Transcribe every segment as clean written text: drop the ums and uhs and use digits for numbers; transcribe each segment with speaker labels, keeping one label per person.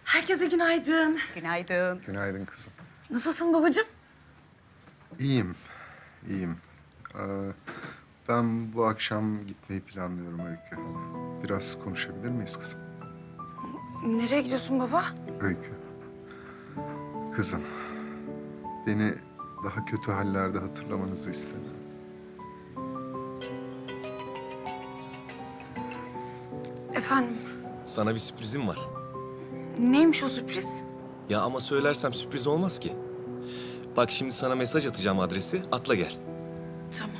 Speaker 1: Herkese günaydın.
Speaker 2: Günaydın.
Speaker 3: Günaydın kızım.
Speaker 1: Nasılsın babacığım?
Speaker 3: İyiyim, iyiyim. Ben bu akşam gitmeyi planlıyorum Öykü. Biraz konuşabilir miyiz kızım?
Speaker 1: Nereye gidiyorsun baba?
Speaker 3: Öykü. Kızım, beni daha kötü hallerde hatırlamanızı istemiyorum.
Speaker 1: Efendim,
Speaker 4: Sana bir sürprizim var.
Speaker 1: neymiş o sürpriz?
Speaker 4: Ya ama söylersem sürpriz olmaz ki. Bak şimdi sana mesaj atacağım adresi. Atla gel.
Speaker 1: Tamam.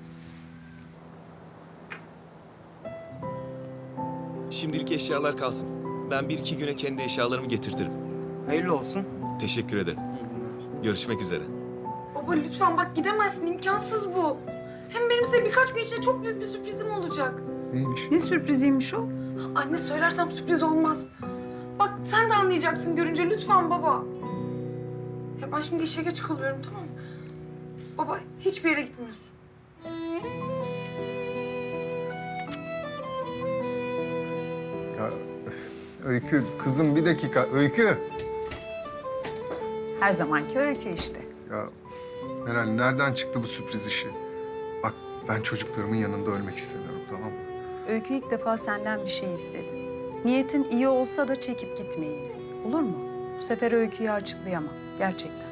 Speaker 4: Şimdilik eşyalar kalsın. Ben bir iki güne kendi eşyalarımı getirtirim.
Speaker 2: Hayırlı olsun.
Speaker 4: Teşekkür ederim. Görüşmek üzere.
Speaker 1: Baba lütfen bak gidemezsin, imkansız bu. Hem benim size birkaç gün içinde çok büyük bir sürprizim olacak.
Speaker 3: Neymiş?
Speaker 2: Ne sürpriziymiş o?
Speaker 1: Anne söylersem sürpriz olmaz. Bak sen de anlayacaksın görünce lütfen baba. Ya ben şimdi işe geç kalıyorum tamam mı? Baba hiçbir yere gitmiyorsun.
Speaker 3: Ya, Öykü, kızım bir dakika. Öykü!
Speaker 2: Her zamanki öykü işte.
Speaker 3: Ya Meral nereden çıktı bu sürpriz işi? Bak ben çocuklarımın yanında ölmek istemiyorum, tamam mı?
Speaker 2: Öykü ilk defa senden bir şey istedi. Niyetin iyi olsa da çekip gitme yine. Olur mu? Bu sefer öyküyü açıklayamam. Gerçekten.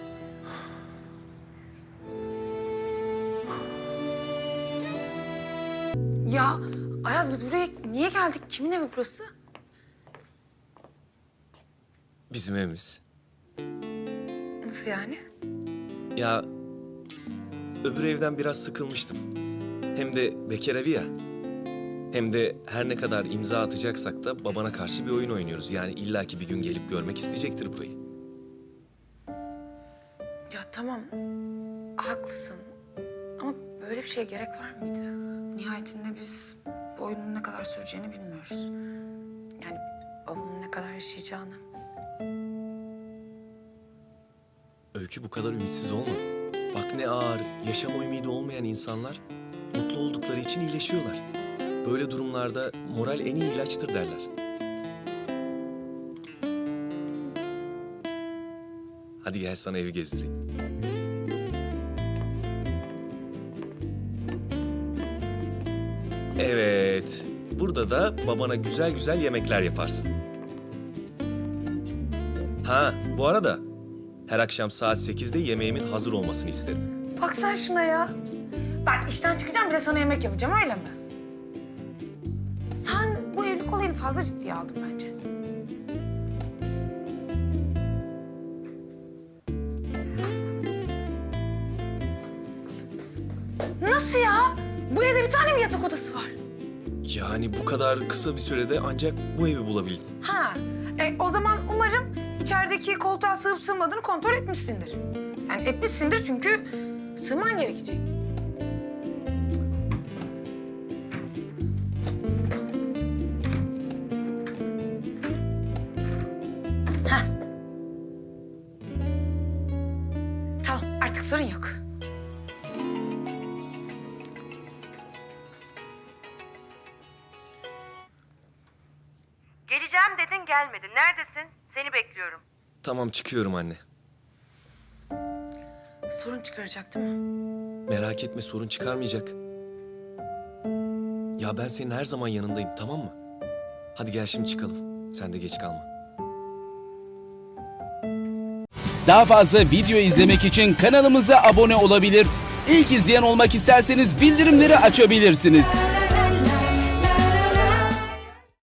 Speaker 1: Ya Ayaz biz buraya niye geldik? Kimin evi burası?
Speaker 4: Bizim evimiz.
Speaker 1: Nasıl yani?
Speaker 4: Ya öbür evden biraz sıkılmıştım. Hem de bekar evi ya. Hem de her ne kadar imza atacaksak da babana karşı bir oyun oynuyoruz. Yani illaki bir gün gelip görmek isteyecektir burayı.
Speaker 1: Ya tamam, haklısın. Ama böyle bir şeye gerek var mıydı? Nihayetinde biz bu oyunun ne kadar süreceğini bilmiyoruz. Yani babamın ne kadar yaşayacağını.
Speaker 4: Öykü bu kadar ümitsiz olma. Bak ne ağır, yaşama ümidi olmayan insanlar mutlu oldukları için iyileşiyorlar. Böyle durumlarda moral en iyi ilaçtır derler. Hadi gel sana evi gezdireyim. Evet, burada da babana güzel güzel yemekler yaparsın. Ha, bu arada her akşam saat 8'de yemeğimin hazır olmasını isterim.
Speaker 1: Bak sen şuna ya. Ben işten çıkacağım bir de sana yemek yapacağım öyle mi? Sen bu evlilik olayını fazla ciddiye aldın bence. Nasıl ya? Bu evde bir tane mi yatak odası var?
Speaker 4: Yani bu kadar kısa bir sürede ancak bu evi bulabildim.
Speaker 1: Ha, o zaman umarım içerideki koltuğa sığıp sığmadığını kontrol etmişsindir. Yani etmişsindir çünkü sığman gerekecek. Hah. Tamam, artık sorun yok.
Speaker 5: Geleceğim dedin gelmedin. Neredesin? Seni bekliyorum.
Speaker 4: Tamam çıkıyorum anne.
Speaker 1: Sorun çıkaracak değil mi?
Speaker 4: Merak etme sorun çıkarmayacak. Ya ben senin her zaman yanındayım tamam mı? Hadi gel şimdi çıkalım. Sen de geç kalma.
Speaker 6: Daha fazla video izlemek için kanalımıza abone olabilir. İlk izleyen olmak isterseniz bildirimleri açabilirsiniz.